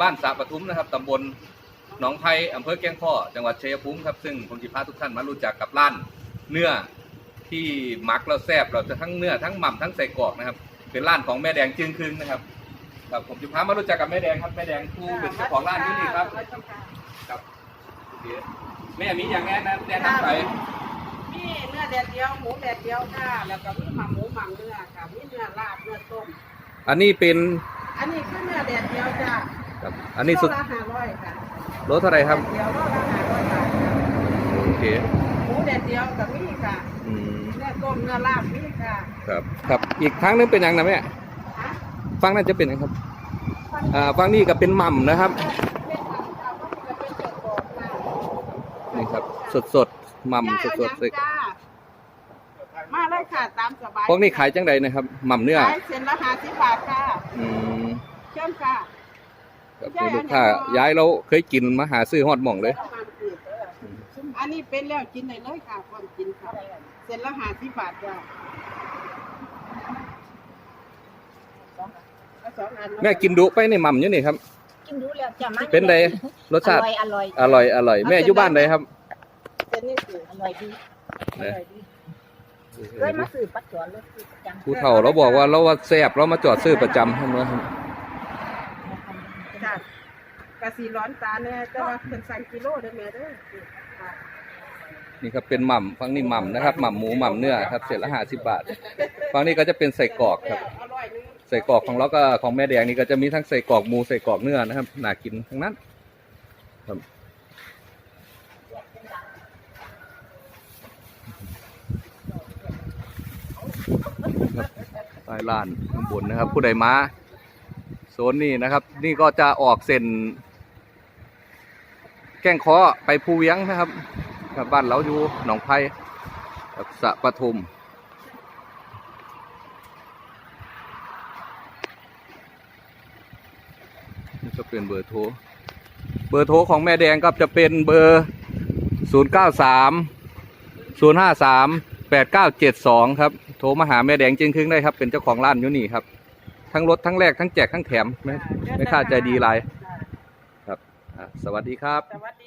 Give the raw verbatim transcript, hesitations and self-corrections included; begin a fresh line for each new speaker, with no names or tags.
บ้านสระปทุมนะครับตำบลหนองไผ่อำเภอแก้งข้อจังหวัดชัยภูมิครับซึ่งผมจะพาทุกท่านมารู้จักกับร้านเนื้อที่หมักแล้วแซ่บเราจะทั้งเนื้อทั้งหม่ำทั้งใส่กรอกนะครับเป็นร้านของแม่แดงจึงคืนนะครับครับผมจะพามารู้จักกับแม่แดงครับแม่แดงผู้เป็นเจ้าของร้านที่นี่ครับครับแม่มีอย่างแน่นะแนะนำไป
มีเนื้อแดดเดียวหมูแดดเดียวค่ะแล้วก็มีหม่ำหมูหม่ำเนื้อค่ะมีเนื้อลาบเนื้อต้ม
อันนี้เป็น
อันนี้คือเนื้อแดดเดียวจ้า
ครับอันนี้สุด
ละห้าร้อยค่ะ
รสเท่าไรครับ
เดียวละห้าร้อยบาท
โอเค
หมูแดดเดียวกับมีค่ะ
อืม
เนื้อต้มเนื้อลาบมีค่ะ
ครับครับอีกครั้งนึงเป็นยังนะแม่ฟังน่าจะเป็นนะครับอ่าฟังนี่ก็เป็นหม่ำนะครับนี่ครับสดสดหม่ำสดสดเลย
มาเลยค่ะตามสบาย
พวกนี้ขายจังใดนะครับหม่ำเนื้อ
ขายเส้นละห้าสิบบาทค่ะ
อืม
เชิญค่ะ
กับลูกค้าย้ายเราเคยกินมาหาซื้อฮอดหม่องเลย
อันนี้เป็นแล้วกินได้เลยค่ะความกินค่ะเส้นละห้าสิบบาทจ้ะ
แม่กินดุไปในหม่ำอยู่นี่ครับ
กินดูแล้วจะมัน
เป็นไงรสชาติ
อร่อย
อร่อยอร่อยแม่อยู่บ้านไหนครับ
เป็นนี่คือ
อร่อยดีอร่อยดีเคยมาซื้อปัจจุบันเลยซื้อประจำ
ผู้เฒ่าเราบอกว่าเราว่าแซ่บเรามาจอดซื้อประจำทั้งนั้น
จ้ะกะสีร้อนตาเนี่ยแต่ว่าเป็นสั่งกิโลได้ไหมเด้อ
นี่ครับเป็นหม่ำฝั่งนี้หม่ำนะครับหม่ำหมูหม่ำเนื้อครับเศษละห้าสิบบาทฝั่งนี้ก็จะเป็นใส่กรอกครับใส่กรอกของเราก็ของแม่แดงนี่ก็จะมีทั้งใส่กรอกหมูใส่กรอกเนื้อนะครับน่ากินทั้งนั้นครับใต้ลานข้างบนนะครับผู้ใดมาโซนนี้นะครับนี่ก็จะออกเส้นแก้งเคาะไปภูเวียงนะครับครับบ้านเราอยู่หนองไผ่กับสระปทุมนี่ก็เป็นเบอร์โทรเบอร์โทรของแม่แดงก็จะเป็นเบอร์ศูนย์เก้าสามศูนย์ห้าสามแปดเก้าเจ็ดสองครับโทรมาหาแม่แดงจริงๆได้ครับเป็นเจ้าของร้านอยู่นี่ครับทั้งรถทั้งแรกทั้งแจกทั้งแถมไม่ไม่ค่าใจดีไรครับสวัสดีครับ
สวัสดี